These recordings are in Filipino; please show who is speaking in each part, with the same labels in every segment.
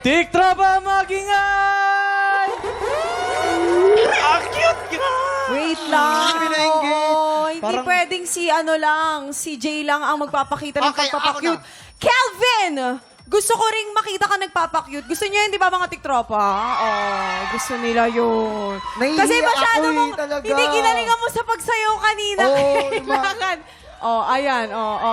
Speaker 1: Tiktropa magingay!
Speaker 2: Ang cute nga!
Speaker 3: Wait lang. Oo, hindi
Speaker 4: Parang-
Speaker 3: pwedeng si si Jay lang ang magpapakita ng
Speaker 4: Okay,
Speaker 3: pagpapakyut.
Speaker 4: ako
Speaker 3: Kelvin! Gusto ko ring makita ka nagpapakyut. Gusto niyo yun, di ba mga tiktropa? Gusto nila yun.
Speaker 4: Nahihiya
Speaker 3: Kasi masyado
Speaker 4: ako
Speaker 3: mong,
Speaker 4: talaga.
Speaker 3: hindi ginalingan mo sa pagsayaw kanina. Kailangan. Ayan.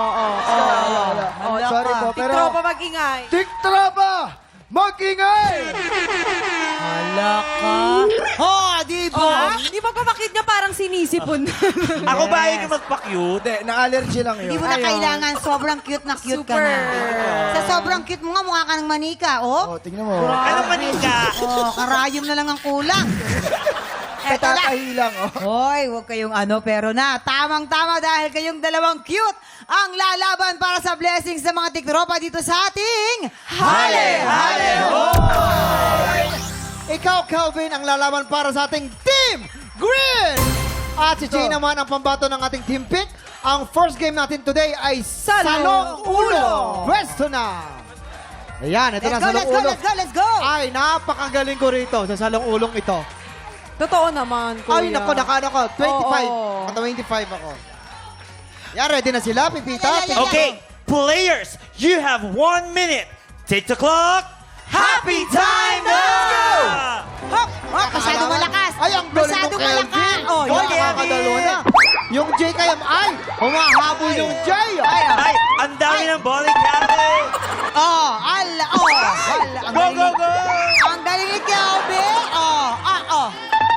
Speaker 4: Sorry po, pero...
Speaker 3: Tiktropa mag-ingay.
Speaker 4: Tiktropa! Mag-ingay!
Speaker 5: Hala ka. Di ba?
Speaker 3: Di ba pamakit niya parang sinisipon?
Speaker 2: Ako ba ay magpa-cute?
Speaker 4: Hindi, na-allergy lang yun.
Speaker 5: Hindi mo na
Speaker 3: Ayun.
Speaker 5: kailangan. Sobrang cute na cute ka
Speaker 3: Super.
Speaker 5: na. Sa sobrang cute mo nga, mukha ka ng manika, oh.
Speaker 4: Oh, tingnan mo.
Speaker 2: Ano manika?
Speaker 5: Oh, karayom na lang ang kulang. Eto na.
Speaker 4: Katatahi lang, oh.
Speaker 5: Hoy, huwag kayong pero na. Tamang-tama dahil kayong dalawang cute ang lalaban para sa blessings ng mga tiktropa dito sa ating
Speaker 4: Ikaw, Calvin, ang lalaban para sa ating Team Green! At si Jay naman ang pambato ng ating Team Pink. Ang first game natin today ay Salong Ulo! Pwesto na! Ayan, ito na Salong Ulo.
Speaker 5: Let's go!
Speaker 4: Ay, napakagaling ko rito sa Salong Ulong ito.
Speaker 3: Totoo naman, kuya.
Speaker 4: Ay, naku, nakano ko. 25.
Speaker 3: Oo.
Speaker 4: 25 ako. Yan, ready na sila, Pipita?
Speaker 2: Okay, players, you have 1 minute. Take the clock. Happy time now!
Speaker 5: Hop! Hop! Masyado malakas!
Speaker 4: Ay, ang galing
Speaker 5: Masyado
Speaker 4: mo, Kelvin.
Speaker 5: malakas! Oh,
Speaker 4: Yung
Speaker 5: yeah.
Speaker 4: nakakadalawa na. Yung Jay kaya, ay, humahabol yung Jay.
Speaker 2: Ay, ang dami ng bowling alley.
Speaker 5: Oh, ala, oh. Ala, ang
Speaker 2: Go,
Speaker 5: galing
Speaker 2: go,
Speaker 5: ni-
Speaker 2: go!
Speaker 5: Ang galing ni Kelvin! Oh.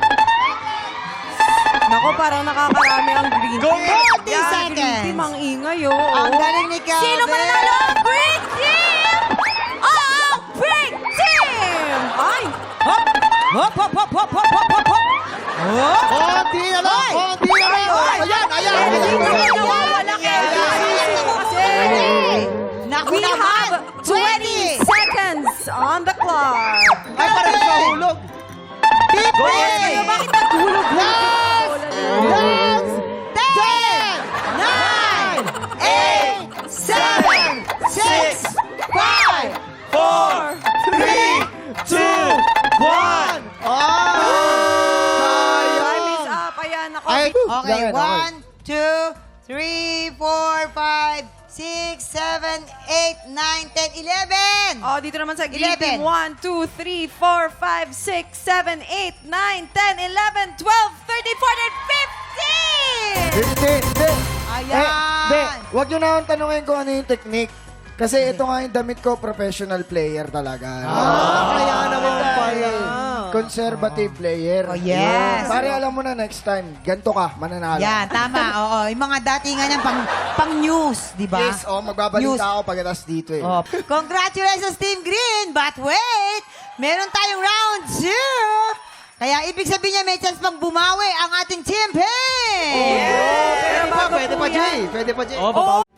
Speaker 3: Nako, parang nakakarami ang green
Speaker 2: Go,
Speaker 3: team.
Speaker 2: go!
Speaker 5: 40
Speaker 3: Yan,
Speaker 5: seconds.
Speaker 3: green team ang ingay, oh.
Speaker 5: Ang galing ni Kelvin!
Speaker 3: Sino mananalo? Green team! Ang green team! Ay!
Speaker 5: Hop! Hop, hop, hop, hop, hop, hop, hop, hop! Hop!
Speaker 4: Konti na lang, konti na lang. Ayan.
Speaker 3: Hindi naman nawawala kaya. Kasi
Speaker 5: Naku
Speaker 3: we
Speaker 5: naman!
Speaker 3: have 20 seconds on the clock.
Speaker 4: Ay, parang nahulog.
Speaker 2: Go,
Speaker 3: Kayo, bakit naghulog?
Speaker 4: Last!
Speaker 5: 10! 9! 8! 7! 6! 5!
Speaker 2: 4, 3, 2, 1.
Speaker 3: Time is up. Ayan, ako.
Speaker 4: Ay,
Speaker 5: Okay,
Speaker 4: yan,
Speaker 5: 1, 2, 3, 4, 5, 6, 7, 8, 9, 10, 11!
Speaker 3: Oh, dito naman sa green
Speaker 5: 11.
Speaker 3: team. 1, 2, 3, 4, 5, 6, 7, 8, 9, 10, 11, 12, 13, 14, 15!
Speaker 4: Hindi.
Speaker 5: Ayan!
Speaker 4: Hindi. Huwag nyo na akong tanungin kung ano yung technique. Kasi ito nga yung damit ko, professional player talaga. Kaya naman pala. Conservative player.
Speaker 5: Oh, yes.
Speaker 4: Pare, alam mo na next time, ganito ka, mananalo.
Speaker 5: Yan, tama. Oo, yung mga datingan yan pang news, di ba?
Speaker 4: Yes, magbabalita
Speaker 5: News.
Speaker 4: ako pagkatapos dito eh.
Speaker 5: Oh, congratulations, Team Green! But wait! Meron tayong round 2! Kaya ibig sabihin niya may chance pang bumawi ang ating Team Pink!
Speaker 3: Pero bago
Speaker 4: Pwede
Speaker 3: po
Speaker 4: pa,
Speaker 3: yan.
Speaker 4: Jay. Pwede pa, Jay.
Speaker 1: Oh,